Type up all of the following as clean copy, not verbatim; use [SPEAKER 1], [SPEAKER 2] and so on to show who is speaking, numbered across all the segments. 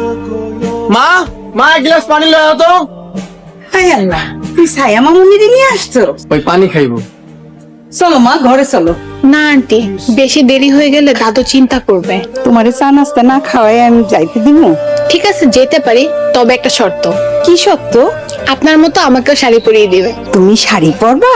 [SPEAKER 1] মা মা এক গ্লাস পানি লও তো।
[SPEAKER 2] হাই আল্লাহ, তুই ছায়া মামুনিরে নিয়ে আসছো?
[SPEAKER 1] ওই পানি খাইবো।
[SPEAKER 2] চলো মা, ঘরে চলো।
[SPEAKER 3] না আন্টি, বেশি দেরি হয়ে গেলে দাদু চিন্তা করবে।
[SPEAKER 2] তোমারে চা নাস্তা না খাওয়াই আমি যাইতে দিব?
[SPEAKER 3] ঠিক আছে, যেতে পারি, তবে একটা শর্ত।
[SPEAKER 2] কি সত্য?
[SPEAKER 3] আপনার মতো আমাকেও শাড়ি পরিয়ে দিবে।
[SPEAKER 2] তুমি শাড়ি পরবা?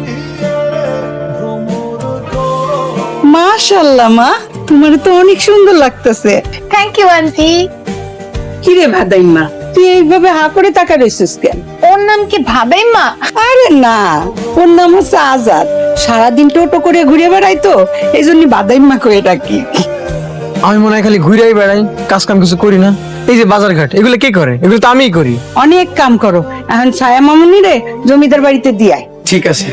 [SPEAKER 2] মাশাআল্লাহ মা, তোমার তো অনেক সুন্দর লাগতেছে।
[SPEAKER 3] Thank you aunty.
[SPEAKER 2] কিরে ভাদাইমা, তুই এইভাবে হা করে তাকা রইছিস কেন?
[SPEAKER 3] ওর নাম কি ভাবেই মা?
[SPEAKER 2] আরে না, ওর নাম হচ্ছে আজাদ। সারাদিন টোটো করে ঘুরে বেড়াই তো, এই জন্য বাদাইম্মা কয়ে ডাকি।
[SPEAKER 1] আমি মনে হয় খালি ঘুরেই বেড়াই, কাজ কাম কিছু করি না। এই যে বাজার ঘাট, এগুলো কে করে? এগুলো তো আমিই করি।
[SPEAKER 2] অনেক কাম করো, এখন ছায়া মামুনিরে জমিদার বাড়িতে দিয়াই।
[SPEAKER 1] ঠিক আছে।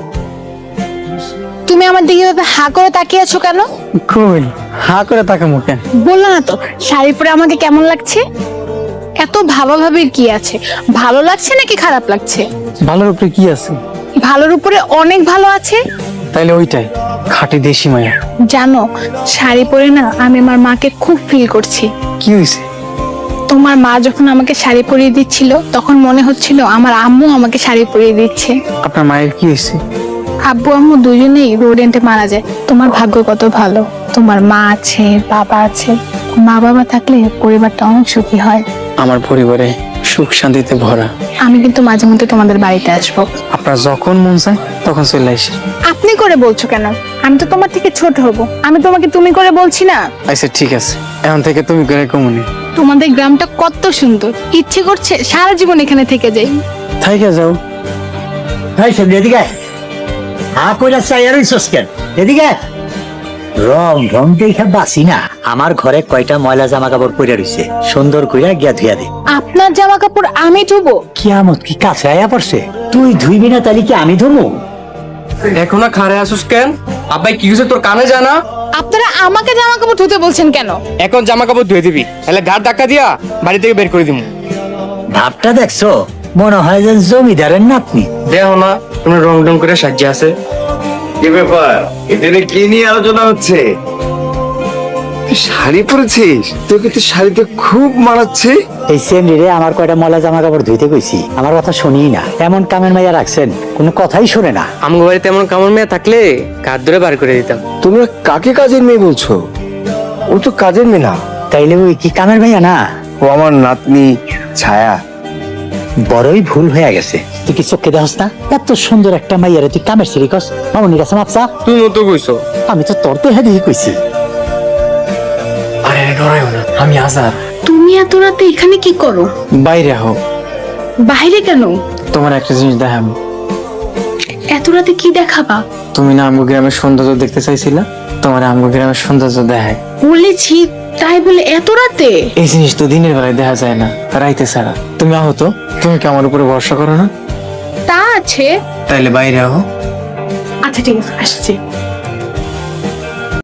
[SPEAKER 3] তুমি আমার দিকে এভাবে হা করে তাকিয়ে আছো কেন?
[SPEAKER 1] কই হা করে তাকামো কেন?
[SPEAKER 3] বললো না তো শাড়ি পরে আমাকে কেমন লাগছে? এত ভাবাভাবির কি আছে? ভালো লাগছে নাকি খারাপ লাগছে?
[SPEAKER 1] ভালোর উপরে কি আছে?
[SPEAKER 3] ভালোর উপরে অনেক ভালো আছে।
[SPEAKER 1] তাইলে ওইটাই খাঁটি দেশি মায়া।
[SPEAKER 3] জানো, শাড়ি পরে না আমি আমার মাকে খুব ফিল করছি।
[SPEAKER 1] কি হয়েছে?
[SPEAKER 3] তোমার মা যখন আমাকে শাড়ি পরিয়ে দিচ্ছিল তখন মনে হচ্ছিল আমার আম্মু আমাকে শাড়ি পরিয়ে দিচ্ছে।
[SPEAKER 1] আপনার মায়ের কি হয়েছে?
[SPEAKER 3] আব্বু আম্মু দুজনেই রোড এন্ডে মারা যায়। তোমার ভাগ্য কত ভালো, তোমার মা আছে, বাবা আছে। মা বাবা থাকলে পরিবারটা অনেক সুখী হয়।
[SPEAKER 1] আমার পরিবারে সুখ শান্তিতে ভরা।
[SPEAKER 3] আমি কিন্তু মাঝে মধ্যে তোমাদের বাড়িতে আসবো।
[SPEAKER 1] আপনার যখন মন চায় তখন চলে আসে।
[SPEAKER 3] আপনি করে বলছো কেন? আমি তো তোমার থেকে ছোট হব, আমি তোমাকে তুমি করে বলছি না।
[SPEAKER 1] আচ্ছা ঠিক আছে, এখন থেকে তুমি করে কমুনি।
[SPEAKER 3] তোমাদের গ্রামটা কত সুন্দর, ইচ্ছে করছে সারা জীবন এখানে থেকে যাই।
[SPEAKER 1] থাইকা যাও।
[SPEAKER 4] হাই সব এদিকে আয়। হা কইরা চাই আর ইসস কেন? এদিকে আয়। রং রং দেখে বাসি না। আমার ঘরে কয়টা ময়লা জামা কাপড় পরে রইছে, সুন্দর কইরা গিয়া ধুইয়া দে।
[SPEAKER 3] আপনার জামা কাপড় আমি ধুবো?
[SPEAKER 4] কিয়ামত কি কাছে আয়া পড়ছে? তুই ধুইবি না তাহলে কি আমি ধুমু?
[SPEAKER 1] এখন না খারে আসুস কেন? আব্বাই কি কিছু তোর কানে জানা?
[SPEAKER 3] আপনারা আমাকে জামা কাপড় ধুতে বলছেন কেন?
[SPEAKER 1] এখন জামা কাপড় ধুয়ে দিবি, তাহলে গাড় ধাক্কা দিয়া বাড়ি থেকে বের করে দিবো।
[SPEAKER 4] ভাবটা দেখছো? মনে হয় যে জমিদারের নাতনি।
[SPEAKER 1] দেখো না তুমি রং রং করে সাজিয়ে আছে।
[SPEAKER 5] কি ব্যাপার? এখানে কি নিয়ে আলোচনা হচ্ছে? তুই শাড়ি পরেছিস? তোকে তো শাড়িতে খুব মানাচ্ছে।
[SPEAKER 4] এই সেমরি রে আমার কয়টা ময়লা জামা কাপড় ধুইতে কইছি, আমার কথা শুনিই না। এমন কামের মাইয়া রাখছেন, কোনো কথাই শুনে না।
[SPEAKER 1] আমগো বাড়িতে এমন কামড় মেয়ে থাকলে কাঠ ধরে বার করে দিতাম।
[SPEAKER 5] তোমরা কাকে কাজের মেয়ে বলছো? ও তো কাজের মেয়ে না,
[SPEAKER 4] তাইলে ওই কি কামের মাইয়া না?
[SPEAKER 5] ও আমার নাতনি ছায়া।
[SPEAKER 4] বড়ই ভুল হয়ে গেছে। তুই কি চোখে দেখস না? এত সুন্দর একটা মাইয়ারে তুই কামের সিঁড়ি কস? মামনির কাছে মাপসা?
[SPEAKER 1] তুই মতো কইছো।
[SPEAKER 4] আমি তো তোর তো হেঁটে কইছি।
[SPEAKER 1] আরে ডরাইও না, আমি আজাদ।
[SPEAKER 3] তুমি এত রাতে এখানে কি করো?
[SPEAKER 1] বাইরে হোক,
[SPEAKER 3] বাইরে কেন?
[SPEAKER 1] তোমার একটা জিনিস দেখাবো।
[SPEAKER 3] এত রাতে কি দেখাবা?
[SPEAKER 1] তুমি না আমগো গ্রামের সৌন্দর্য দেখতে চাইছিলা, তোমার আমগো গ্রামের সৌন্দর্য দেখায়।
[SPEAKER 3] বলেছি তাই বলে এত রাতে?
[SPEAKER 1] এই জিনিস তো দিনের বেলায় দেখা যায় না, রাইতে ছাড়া। তুমি আহো তো, তুমি কি আমার উপরে ভরসা করো না?
[SPEAKER 3] তা আছে।
[SPEAKER 1] তাইলে বাইরে আহো।
[SPEAKER 3] আচ্ছা ঠিক আছে, আসছি।